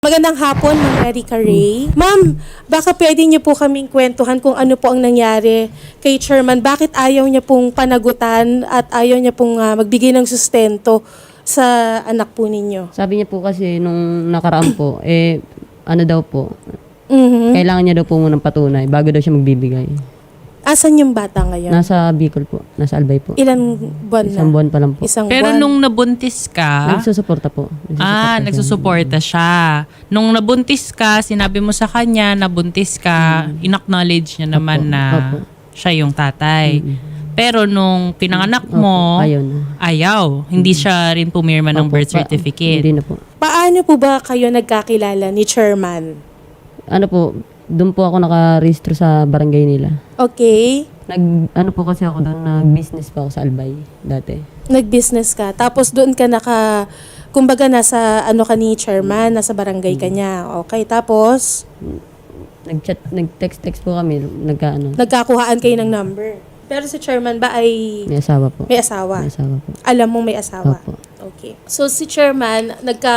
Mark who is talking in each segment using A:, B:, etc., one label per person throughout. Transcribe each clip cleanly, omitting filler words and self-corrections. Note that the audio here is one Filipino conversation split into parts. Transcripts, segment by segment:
A: Magandang hapon, Ma'am Erica Ray. Ma'am, baka pwede niyo po kaming kwentuhan kung ano po ang nangyari kay Chairman. Bakit ayaw niya pong panagutan at ayaw niya pong magbigay ng sustento sa anak po ninyo?
B: Sabi niya po kasi nung nakaraan po, ano daw po,
A: Mhm.
B: kailangan niya daw po munang patunay bago daw siya magbibigay.
A: Asan yung bata ngayon?
B: Nasa Bicol po, nasa Albay po.
A: Ilan buwan na?
B: Isang buwan pa lang po.
A: Isang
C: Pero
A: buwan.
C: nung nabuntis ka,
B: Nagsusuporta po.
C: nagsusuporta siya. Nung nabuntis ka, sinabi mo sa kanya, nabuntis ka, in-acknowledge niya naman
B: Opo,
C: na
B: opo.
C: siya yung tatay. Pero nung pinanganak mo,
B: Ayaw na.
C: ayaw. Hindi siya rin pumirma ng
B: Opo,
C: birth certificate.
B: Hindi na po.
A: Paano po ba kayo nagkakilala ni Chairman?
B: Ano po, doon po ako nakarehistro sa barangay nila.
A: Okay.
B: Ano po kasi ako doon, nag-business pa ako sa Albay dati.
A: Nag-business ka. Tapos doon ka kumbaga nasa ano ka ni Chairman, nasa barangay ka niya. Okay, tapos
B: Nag-text po kami,
A: nagkakuhaan kayo ng number. Pero si Chairman ba ay
B: may asawa po.
A: may asawa?
B: May asawa po.
A: Alam mong may asawa?
B: Opo.
A: Okay. So si Chairman,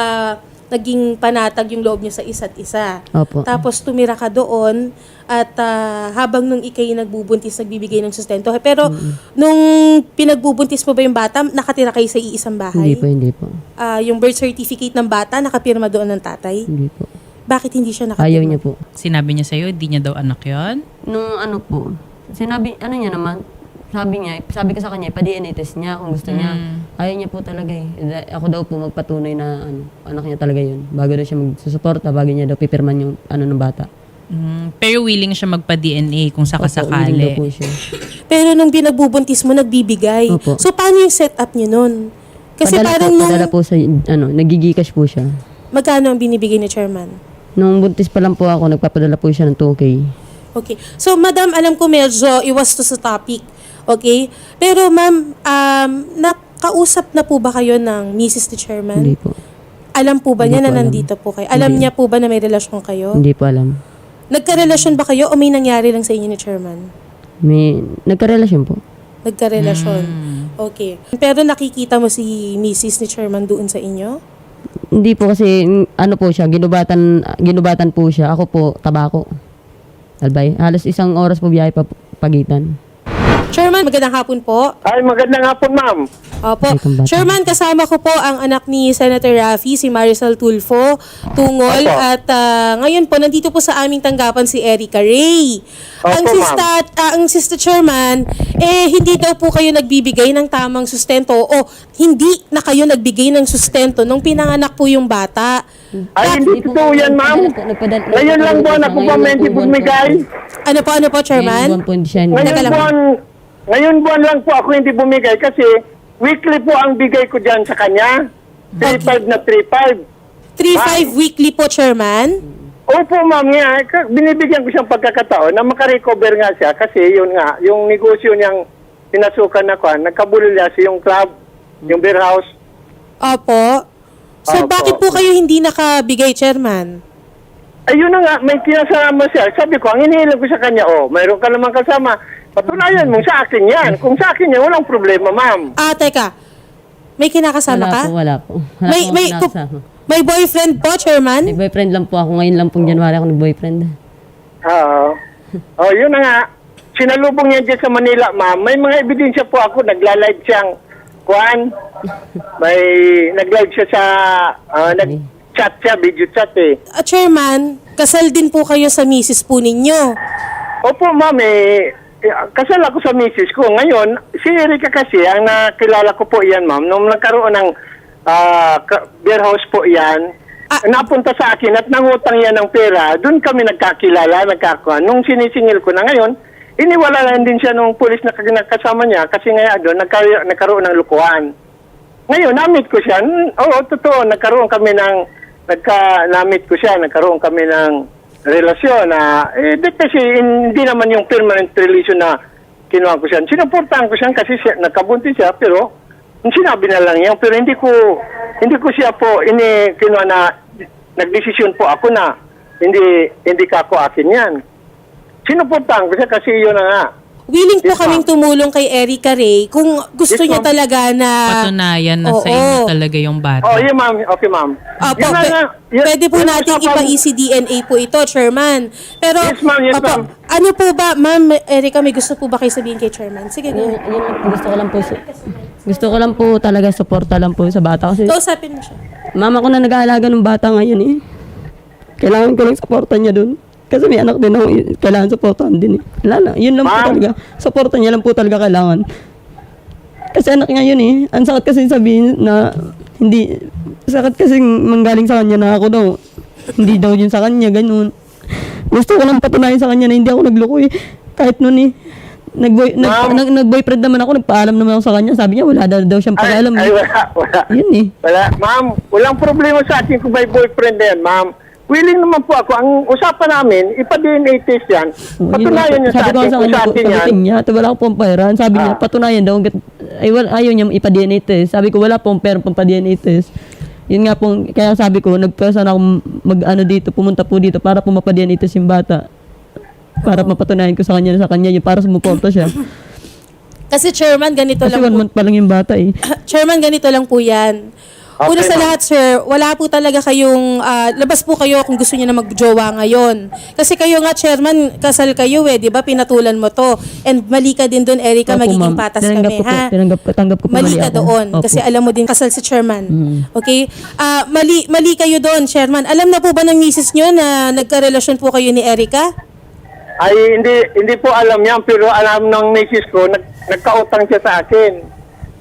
A: naging panatag yung loob niyo sa isa't isa.
B: Opo.
A: Tapos tumira ka doon at habang nung ikay nagbubuntis, nagbibigay ng sustento. Pero nung pinagbubuntis mo ba yung bata, nakatira kayo sa iisang bahay?
B: Hindi po.
A: Yung birth certificate ng bata, nakapirma doon ng tatay?
B: Hindi po.
A: Bakit hindi siya nakapirma?
B: Ayaw niya po.
C: Sinabi niya sa'yo, di niya daw anak yon.
B: Nung ano po, niya naman, sabi ko sa kanya, pa-DNA test niya kung gusto niya. Ayaw niya po talaga eh. Ako daw po magpatunay na anak niya talaga yun. Bago daw siya magsusuporta, bago niya daw pipirman yung ng bata.
C: Pero willing siya magpa-DNA kung
B: Willing daw
C: sakasakali.
B: po siya.
A: Pero nung binagbubuntis mo, nagbibigay.
B: Opo.
A: So, paano yung setup niyo nun? Kasi
B: Padala po sa, nagigikash po siya.
A: magkano ang binibigay ni Chairman?
B: Nung buntis pa lang po ako, nagpapadala po siya ng 2K.
A: Okay. So, Madam, alam ko medyo iwas to sa topic. Okay? Pero, Ma'am, nakausap na po ba kayo ng Mrs. ni Chairman?
B: Hindi po.
A: Alam po ba
B: Hindi
A: niya
B: po
A: na
B: alam.
A: nandito po kayo? Alam
B: Hindi.
A: niya po ba na may relasyon kayo?
B: Hindi po alam.
A: Nagkarelasyon ba kayo o may nangyari lang sa inyo ni Chairman?
B: Nagkarelasyon po.
A: Nagkarelasyon. Okay. Pero nakikita mo si Mrs. ni Chairman doon sa inyo?
B: Hindi po kasi, po siya, ginubatan po siya. Ako po, tabako. Albay. Halos isang oras po biyahe pagitan.
A: Chairman, magandang hapon po.
D: Ay, magandang hapon, ma'am.
A: Opo.
B: Ay, kung bata.
A: Chairman, kasama ko po ang anak ni Senator Raffy, si Marisol Tulfo Tungol.
D: Opo.
A: At ngayon po, nandito po sa aming tanggapan si Erica Ray.
D: Opo,
A: Ang Sister Chairman, hindi daw po kayo nagbibigay ng tamang sustento o hindi na kayo nagbigay ng sustento nung pinanganak po yung bata.
D: Ay, hindi totoo yan, ma'am. Ngayon lang buwan ako pa may hindi bumigay.
A: Ano po, Chairman?
D: Ngayon buwan lang po ako hindi bumigay kasi weekly po ang bigay ko dyan sa kanya. 3.5 na 3.5.
A: 3-5 weekly po, Chairman?
D: Opo, ma'am, nga. Binibigyan ko siyang pagkakataon na makarecover nga siya kasi yun nga, yung negosyo niyang pinasukan na kuhan, nagkabulila siya yung club, yung beer house.
A: Opo. So,
D: Opo.
A: bakit po kayo hindi nakabigay, Chairman?
D: Ayun na nga, may kinasama siya. Sabi ko, ang inihilang ko sa kanya, mayroon ka naman kasama. Patunayan mo, sa akin yan. Kung sa akin yan, walang problema, ma'am.
A: Teka. May kinakasama ka?
B: Wala po.
A: May boyfriend po, Chairman?
B: May boyfriend lang po ako. Ngayon lang pong January ako nag-boyfriend.
D: Oo. Yun na nga. Sinalubong niya dyan sa Manila, ma'am. May mga ebidensya po ako. Nagla-live siyang kuhan. May nag-live siya sa... nag-chat siya, video chat eh.
A: Chairman, kasal din po kayo sa misis po ninyo.
D: Opo, ma'am, kasal ako sa misis ko. Ngayon, si Erica kasi, ang nakilala ko po yan, ma'am, nung nagkaroon ng beer house po yan, napunta sa akin at nangutang yan ng pera, doon kami nagkakilala, nagkakuha. Nung sinisingil ko na ngayon, iniwalalan din siya nung pulis na kasama niya kasi nga doon nagkaroon ng lukuhan. Ngayon, namit ko siya. Oo, totoo, nagkaroon kami ng relasyon na, kasi hindi naman yung permanent relation na kinuha ko siya. Sinuportahan ko siya kasi nagkabuntis siya, pero sinabi na lang yan. Pero hindi ko siya po kinuha na, nagdesisyon po ako na hindi ka ako akin yan. Sinuportahan ko siya kasi yun na nga.
A: willing po
D: Yes,
A: kaming
D: ma'am.
A: tumulong kay Erica Ray kung gusto
D: Yes,
A: niya
D: ma'am.
A: talaga na...
C: Patunayan na sa
A: Oo.
C: inyo talaga yung bata.
D: Oh, yun ma'am. Okay, ma'am.
A: Opo,
D: Yun na nga,
A: pwede po
D: yun
A: natin
D: usapan-
A: ipa-ECDNA po ito, Chairman. Pero,
D: Yes, ma'am. Yes,
A: opo,
D: ma'am.
A: ano po ba, Ma'am Erica, may gusto po ba kayo sabihin kay Chairman? Sige,
B: Yun,
A: go.
B: yun lang po, gusto ko lang po talaga suporta lang po sa bata kasi
A: Kausapin mo siya.
B: mama ko na nag-aalaga ng bata ngayon eh. Kailangan ko lang suporta niya dun. Kasi may anak din ako, kailangan suportahan din eh. Wala na, yun lang po
D: Ma'am.
B: talaga. Suporta niya lang po talaga kailangan. Kasi anak niya yun eh. Ang sakit kasi sabihin na hindi, sakit kasi manggaling sa kanya na ako daw. Hindi daw yun sa kanya, ganun. Gusto ko lang patunayan sa kanya na hindi ako nagloko eh. Kahit nun eh.
D: Ma'am.
B: Nag-boyfriend naman ako, nagpaalam naman ako sa kanya. Sabi niya, wala daw siyang pakialam
D: Ay,
B: eh.
D: wala.
B: Yun eh.
D: Wala. Ma'am, walang problema sa akin kung may boyfriend na yan, ma'am. Willing naman po ako. Ang usapan namin, ipa-DNA test yan. Patunayan niya sa
B: Sabi ko
D: akin
B: sa
D: kung
B: kanya,
D: sa atin yan.
B: sabihin niya, wala ko pong pera. Sabi niya, patunayan daw. Ayaw niya ipa-DNA test. Sabi ko, wala pong pera pang pa-DNA test. Yun nga pong, kaya sabi ko, nagpesa na akong dito, pumunta po dito para po mapa-DNA test yung bata. Para mapatunayan ko sa kanya yun, para sumuporta siya.
A: Kasi Chairman, ganito
B: Kasi
A: lang
B: 1
A: po.
B: month pa lang yung bata eh.
A: Chairman, ganito lang po yan.
D: Okay,
A: Una sa
D: ma'am.
A: lahat, sir, wala po talaga kayong, labas po kayo kung gusto niyo na magjowa ngayon. Kasi kayo nga, Chairman, kasal kayo eh, di ba? Pinatulan mo to. And mali ka din doon, Erica,
B: Opo,
A: magiging
B: ma'am.
A: patas
B: Tinanggap
A: kami,
B: ko po.
A: ha?
B: Tanggap ko po
A: Mali ka
B: ako.
A: doon.
B: Opo.
A: Kasi alam mo din, kasal si Chairman.
B: Mm.
A: Okay? Mali kayo doon, Chairman. Alam na po ba ng misis nyo na nagkarelasyon po kayo ni Erica?
D: Ay, hindi po alam yan, pero alam ng misis ko, nagkautang siya sa akin.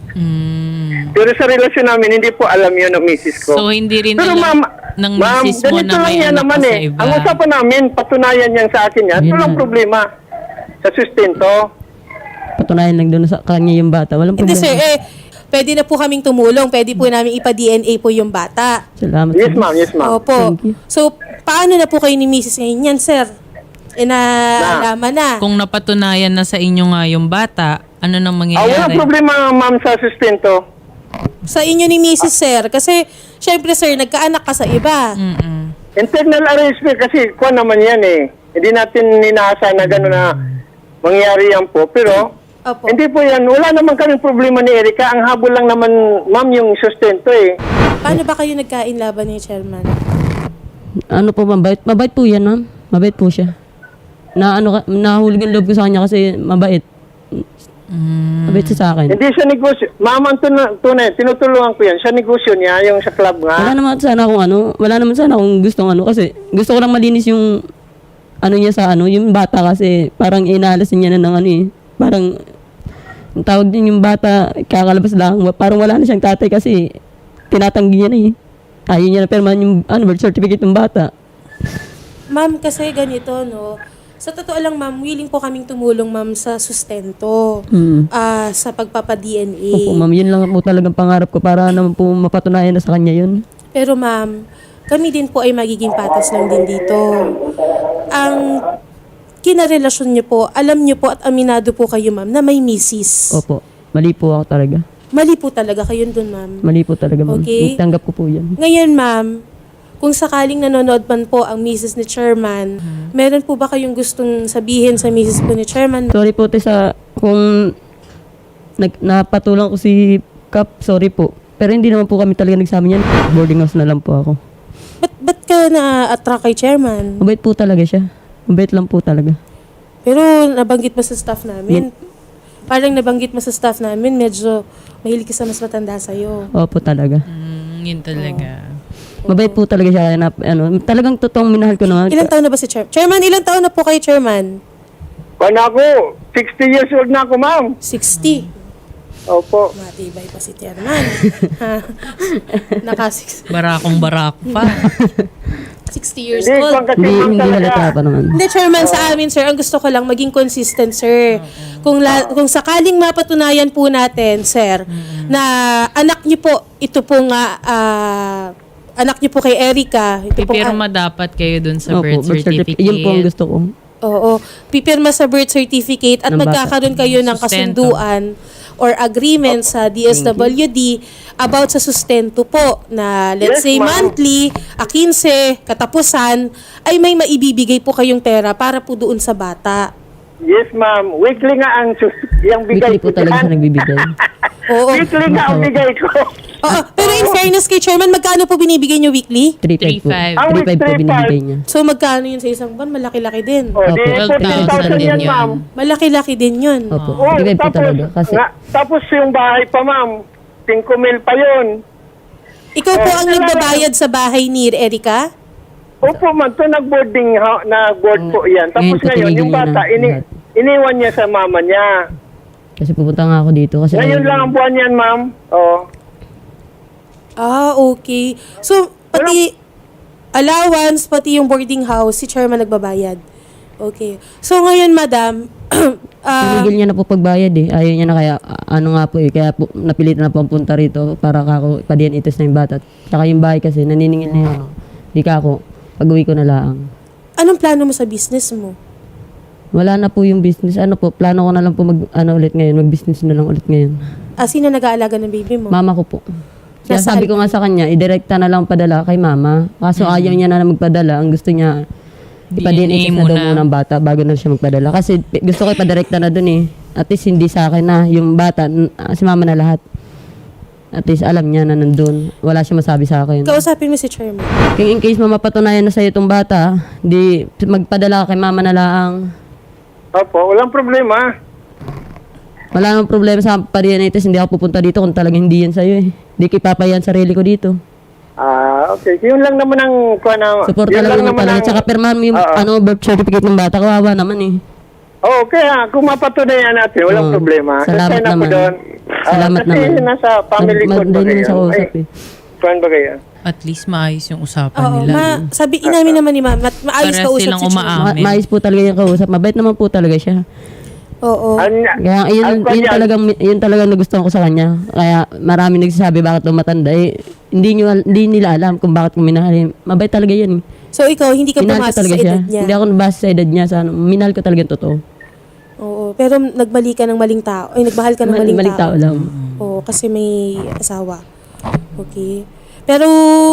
D: Pero sa relasyon namin, hindi po alam yun ng misis ko.
C: So, hindi rin
D: Pero
C: alam
D: ma'am,
C: ng
D: ma'am,
C: misis mo
D: ganito
C: na
D: lang
C: may
D: yan
C: anak
D: naman
C: ka sa
D: eh.
C: iba.
D: Ang usapan namin, patunayan yan sa akin yan. Ito
B: Yun
D: lang
B: na.
D: problema sa sustento.
B: Patunayan lang doon sa kanya yung bata. Walang
A: Hindi,
B: problema.
A: sir. Pwede na po kaming tumulong. Pwede po namin ipa-DNA po yung bata.
B: Salamat.
D: Yes,
B: sir.
D: ma'am. Yes, ma'am.
A: Opo.
B: Thank you.
A: So, paano na po kayo ni Mrs. ngayon yan, sir? Naalaman na.
C: Kung napatunayan na sa inyo nga yung bata, ano nang
D: Walang
C: mangyayari?
D: problema, ma'am, sa sustento.
A: Sa inyo ni Mrs. Sir. Kasi, syempre, sir, nagkaanak ka sa iba.
D: Internal arrangement kasi kuha naman yan eh. Hindi natin ninasa na gano'n na mangyari yan po. Pero,
A: Opo.
D: hindi po yan. Wala naman kaming problema ni Erica. Ang habol lang naman, ma'am, yung sustento eh.
A: Paano ba kayo nagkain laban ni Chairman?
B: Ano po, mabait? Mabait po yan, ma'am. Mabait po siya. Nahulog ang loob ko sa kanya kasi mabait. Mabait siya sa akin.
D: Hindi siya negosyo. Ma'am, ang tunay, tinutulungan ko yan. Siya negosyo niya, yung sa club nga.
B: Wala naman sana akong gustong kasi gusto ko lang malinis yung niya sa yung bata kasi parang inalas niya na ng parang ang tawag din yung bata, kakalabas lang, parang wala na siyang tatay kasi tinatanggi niya na eh. Ayaw niya na perman yung birth certificate ng bata.
A: Ma'am, kasi ganito, no? Sa totoo lang, ma'am, willing po kaming tumulong, ma'am, sa sustento. Sa pagpapa-DNA.
B: Opo, ma'am, yun lang po talagang pangarap ko para naman po mapatunayan na sa kanya yun.
A: Pero ma'am, kami din po ay magiging patas lang din dito. Ang kinarelasyon niyo po, alam niyo po at aminado po kayo, ma'am, na may misis.
B: Opo, mali po ako talaga.
A: Mali po talaga kayo dun, ma'am.
B: Mali po talaga, ma'am.
A: Okay.
B: Tanggap ko po yan.
A: Ngayon, ma'am, kung sakaling nanonood man po ang misis ni Chairman, meron po ba kayong gustong sabihin sa misis po ni Chairman?
B: Sorry po, kung napatulang ko si Kap, sorry po. Pero hindi naman po kami talaga nagsama niyan. Boarding house na lang po ako.
A: Ba't ka na-attract kay Chairman?
B: Mabait po talaga siya. Mabait lang po talaga.
A: Pero nabanggit mo sa staff namin. Parang nabanggit mo sa staff namin, medyo mahilig ka sa mas matanda sa'yo.
B: Opo talaga.
C: Yun talaga.
B: Mabait po talaga siya. Talagang totoong minahal ko naman.
A: Ilang taon na ba si Chairman? Chairman, ilang taon na po kay Chairman?
D: Kung ako, 60 years old na ako, ma'am.
A: 60.
D: Opo.
A: Matibay pa si Chairman.
C: Barakong barako pa.
A: 60 years
D: Hindi,
A: old.
D: kung kasi,
B: Hindi,
D: ma'am,
B: hindi
D: talaga.
B: halata pa naman.
A: Hindi, Chairman, sa amin, sir, ang gusto ko lang maging consistent, sir. Kung sakaling mapatunayan po natin, sir, na anak niyo po, ito po nga, anak niyo po kay Erica. Ito pong,
C: Pipirma dapat kayo dun sa
B: Opo,
C: birth certificate.
B: Yun po ang gusto ko.
A: oo, pipirma sa birth certificate at
B: Ng bata.
A: magkakaroon kayo ng
C: Sustento.
A: kasunduan or agreement sa DSWD about sa sustento po na let's
D: Yes,
A: say
D: ma'am.
A: monthly, 15, katapusan, ay may maibibigay po kayong pera para po doon sa bata.
D: Yes, ma'am. Weekly nga ang yung bigay
B: Weekly po talaga siya
D: dyan.
B: nagbibigay.
A: Oo.
D: Weekly nga ang bigay ko.
A: Oo. Pero in fairness kay Chairman, magkano po binibigay niyo weekly?
B: 3.5 po.
C: 3.5.
B: 3.5 po binibigay niya.
A: So magkano yun sa isang buwan? Malaki-laki din.
D: O, di
B: Opo.
D: 14,000 yan,
C: yun.
D: ma'am.
A: Malaki-laki din yun.
B: Opo.
D: Oo,
B: 3.5 po talaga. Kasi
D: tapos yung bahay pa, ma'am. 5 mil pa yun.
A: Ikaw po ang nagbabayad sa bahay ni Erica?
D: Opo, ma'am. Ito nag-board po yan. Tapos
B: Ngayon,
D: ngayon, yung
B: tinigil niya
D: bata,
B: na lahat.
D: iniwan niya sa mama niya.
B: kasi pupunta nga ako dito. Kasi
D: Ngayon lang ang buwan yan, ma'am. Oh.
A: Ah, okay. So, pati allowance, pati yung boarding house, si Chairman nagbabayad. Okay. So, ngayon, madam,
B: tinigil niya na po pagbayad eh. Ayaw niya na kaya, ano nga po eh. Kaya po, napilitan na po ang punta rito para kako pa-DNA test na yung bata. Tsaka yung bahay kasi, naniningil na yun. Di ka ako, pag-uwi ko na lang.
A: anong plano mo sa business mo?
B: Wala na po yung business. Ano po, plano ko na lang po ulit ngayon. Mag-business na lang ulit ngayon.
A: Sino nag-aalaga ng baby mo?
B: Mama ko po. Kaya
A: Nasaan
B: sabi ko nga sa kanya, idirekta na lang padala kay mama. Kaso ayaw niya na magpadala. Ang gusto niya, ipa-DNA
C: DNA
B: test na daw
C: muna.
B: muna ng bata bago na siya magpadala. Kasi gusto ko ipadirekta na dun eh. At least hindi sa akin na. Yung bata, si mama na lahat. At least alam niya na nandun. Wala siya masabi sa akin.
A: Kausapin mo si Chairman.
B: Kung in case mamapatunayan na sa'yo itong bata, di magpadala ka kay mama na lang.
D: Opo, walang problema.
B: Wala namang problema sa pa-DNA test. Hindi ako pupunta dito kung talagang hindi yan sa'yo eh. Hindi ko ipapayan sarili ko dito.
D: Okay. Yun lang naman ang
B: Support
D: yun
B: talaga naman talaga.
D: ang-
B: Tsaka pirmahan mo yung
D: Oo.
B: birth certificate ng bata. Kawawa naman eh.
D: Oo, kaya kung mapatunayan natin, walang
B: Oo.
D: problema.
B: Salamat
D: Kasi na po
B: naman.
D: doon.
B: Salamat
D: kasi
B: naman.
D: nasa family court ba
B: Madali naman sa
D: kayo?
B: kausap eh.
D: Kuhan ba kayo?
C: At least maayos yung usapan
A: Oo,
C: nila.
A: sabi inamin naman ni ma'am, maayos
C: Para
A: ka usap
C: silang
A: si Chairman.
C: umaam. Amen.
B: Maayos po talaga yung kausap. Mabait naman po talaga siya.
A: Oo.
B: Kaya
D: Ang kanya-
B: yun talagang nagustuhan ko sa kanya. Kaya marami nagsasabi bakit daw matanda eh. Hindi nila alam kung bakit ko minahal. Mabait talaga yan.
A: So ikaw, hindi ka
B: Minahal ko
A: pumasa sa
B: talaga siya.
A: edad niya.
B: Hindi ako nabasa sa edad niya. Minahal ko talaga yung totoo.
A: Oo, pero nagmali ka ng maling tao. Ay, nagmahal ka ng maling tao.
B: tao lang.
A: Oo, kasi may asawa. Okay. Pero,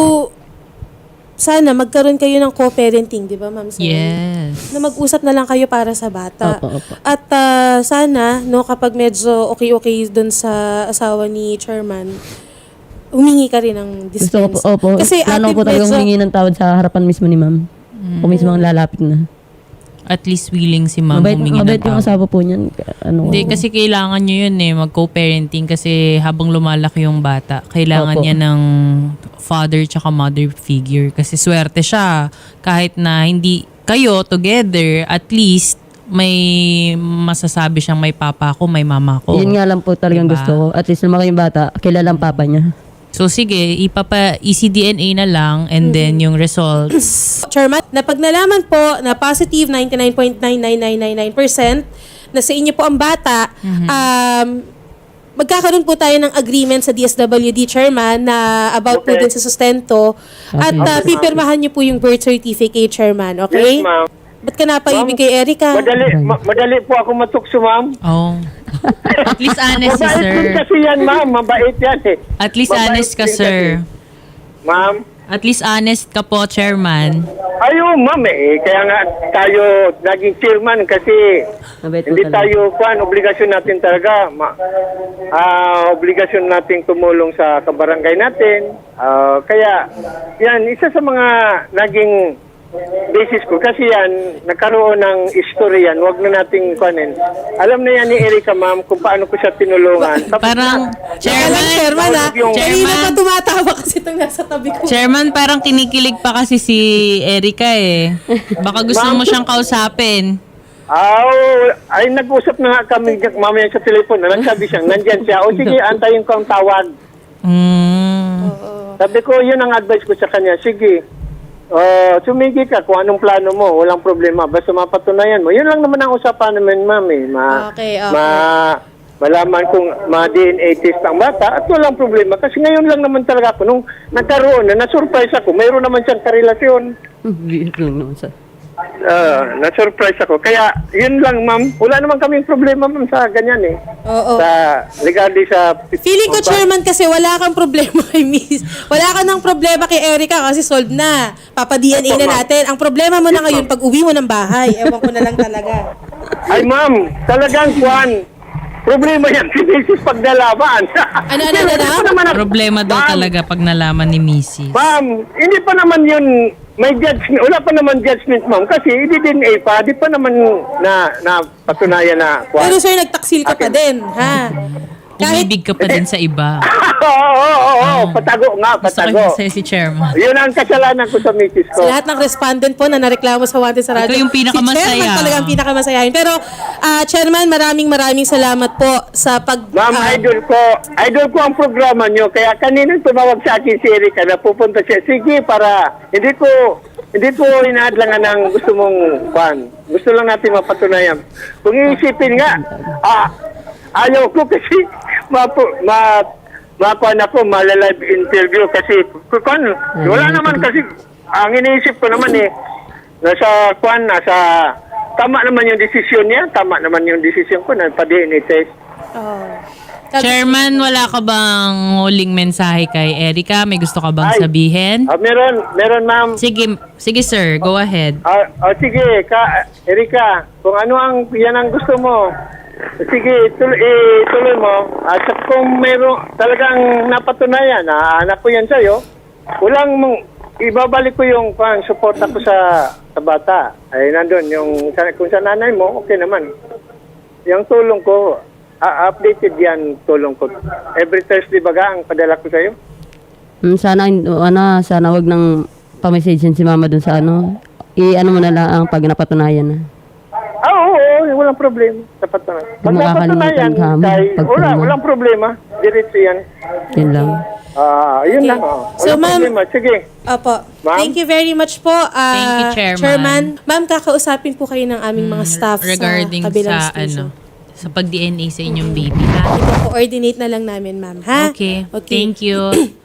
A: sana magkaroon kayo ng co-parenting, di ba, ma'am? Sana?
C: Yes.
A: Na mag-usap na lang kayo para sa bata.
B: Opo.
A: At sana, no, kapag medyo okay doon sa asawa ni Chairman, humingi ka rin ng
B: Gusto ko po,
A: dispense.
B: opo.
A: Kasi
B: Plano
A: ate,
B: ko talagang
A: medyo-
B: humingi ng tawad sa harapan mismo ni ma'am. Ako mismo ang lalapit na.
C: At least willing si ma'am humingi ng
B: Mabait yung
C: tawad.
B: asawa po niyan. Ano,
C: Hindi, kasi kailangan nyo yun eh, mag-co-parenting kasi habang lumalaki yung bata, kailangan
B: Opo.
C: niya ng father tsaka mother figure. Kasi swerte siya. Kahit na hindi kayo together, at least may masasabi siyang may papa ko, may mama ko.
B: Yun nga lang po talagang
C: Diba?
B: gusto ko. At least lumaki yung bata, kilala ang papa niya.
C: So sige, ECDNA na lang and then yung results.
A: Chairman, na pag nalaman po na positive 99.99999% na sa inyo po ang bata, magkakaroon po tayo ng agreement sa DSWD Chairman na about po
D: Okay.
A: dun sa sustento at
B: Okay.
A: pipirmahan niyo po yung birth certificate, Chairman,
D: Yes,
A: okay?
D: ma'am.
A: Ba't ka napaibig kay Erica?
D: Madali po ako matukso, ma'am.
C: Oh. At least honest si
D: Mabait din
C: sir.
D: kasi yan, ma'am. Mabait yan eh.
C: At least
D: Mabait
C: honest ka,
D: din
C: sir.
D: kasi. Ma'am?
C: At least honest ka po, chairman.
D: Ayun, ma'am eh. Kaya nga tayo naging chairman kasi
B: Mabait po
D: hindi
B: talaga.
D: tayo, obligasyon natin talaga. Obligasyon natin tumulong sa kabarangay natin. Kaya, yan, isa sa mga naging basis ko. Kasi yan, nagkaroon ng history yan. Huwag na nating kuhanin. Alam na yan ni Erica, ma'am, kung paano ko siya tinulungan. Tapos
C: Parang,
A: Chairman, Chairman, ha?
D: Yung-
A: Kanina
C: Chairman.
A: pa tumatawa kasi itong nasa tabi ko.
C: Chairman, parang kinikilig pa kasi si Erica eh. Baka gusto mo siyang kausapin.
D: Ay, nag-usap na nga kami mamaya sa telepono. Nagsabi siya, nandyan siya. O sige, antayin ko ang tawag. Sabi ko, yun ang advice ko sa kanya. Sige, sumigi ka kung anong plano mo. Walang problema. Basta mapatunayan mo. Yun lang naman ang usapan namin, ma'am. Eh.
A: Okay.
D: Malaman kung ma-DNA test ang bata at walang problema. Kasi ngayon lang naman talaga ako. Nung nagkaroon na, na-surprise ako. Mayroon naman siyang karelasyon.
B: Biro lang naman sa...
D: Na-surprise ako. Kaya, yun lang, ma'am. Wala naman kaming problema, ma'am, sa ganyan eh.
A: Oo.
D: Regarding sa...
A: Feeling ko, Chairman, kasi wala kang problema kay Miss. Wala ka ng problema kay Erica kasi solved na. Papa-DNA na natin. Ang problema mo na ngayon, pag uwi mo ng bahay, ewan ko na lang talaga.
D: Ay, ma'am, talagang Juan, problema yan si Mrs. pag nalaman.
A: Ano?
D: Hindi pa naman ang-
C: Problema daw
D: Ma'am,
C: talaga pag nalaman ni Mrs.
D: Ma'am, hindi pa naman yun, may judgment, wala pa naman judgment, ma'am, kasi i-DNA pa, di pa naman na patunayan na Juan.
A: Pero sir, nagtaksil ka pa din, ha? Kahit
C: Umibig ka pa din sa iba.
D: Oo, patago nga,
C: Gusto ko
D: patago.
C: sa'yo si Chairman.
D: Yun ang kasalanan ko sa Mrs. ko.
A: sa lahat ng respondent po na nareklamo sa Wanted sa radyo.
C: Ikaw yung pinakamasaya.
A: Si Chairman talaga ang pinakamasayahin. Pero, Chairman, maraming salamat po sa pag...
D: Ma'am, idol ko ang programa nyo. Kaya kanina tumawag sa akin si Erika na pupunta siya. Sige, para hindi ko inaadlangan ng gusto mong fan. Gusto lang natin mapatunayan. Kung iisipin nga, ayaw ko kasi makuha ko, malalive interview kasi wala naman kasi, ang iniisip ko naman nasa tama naman yung desisyon niya, tama naman yung desisyon ko na pa-DNA test.
C: Chairman, wala ka bang huling mensahe kay Erica? May gusto ka bang
D: Ay.
C: sabihin?
D: Meron ma'am.
C: Sige sir, go ahead.
D: Sige, Erika, kung yan ang gusto mo, sige, tuloy mo. At kung meron talagang napatunayan na anak ko yan sa'yo, ibabalik ko yung suporta ko sa bata. Ay, nandun, kung sa nanay mo, okay naman. Yung tulong ko, updated yan tulong ko. Every Thursday baga ang padala ko sa'yo.
B: Sana wag nang pa-message si mama dun sa i-ano mo na lang ang pag napatunayan na.
D: Oo, walang problema. Sapat na. Pag
B: Di makakalimutan ka mo, pagtulungan.
D: walang problema. Diretso yan.
B: Yun lang.
D: Yun
A: Okay.
D: lang.
A: So,
D: Walang
A: ma'am,
D: problema. Sige.
A: Opo.
D: Ma'am?
A: Thank you very much po,
C: Thank you, Chairman.
A: Ma'am, kakausapin po kayo ng aming mga staff
C: Regarding
A: sa kabilang
C: sa
A: station.
C: sa pag-DNA sa inyong baby, ha?
A: Ipo-coordinate na lang namin, ma'am, ha?
C: Okay. Thank you.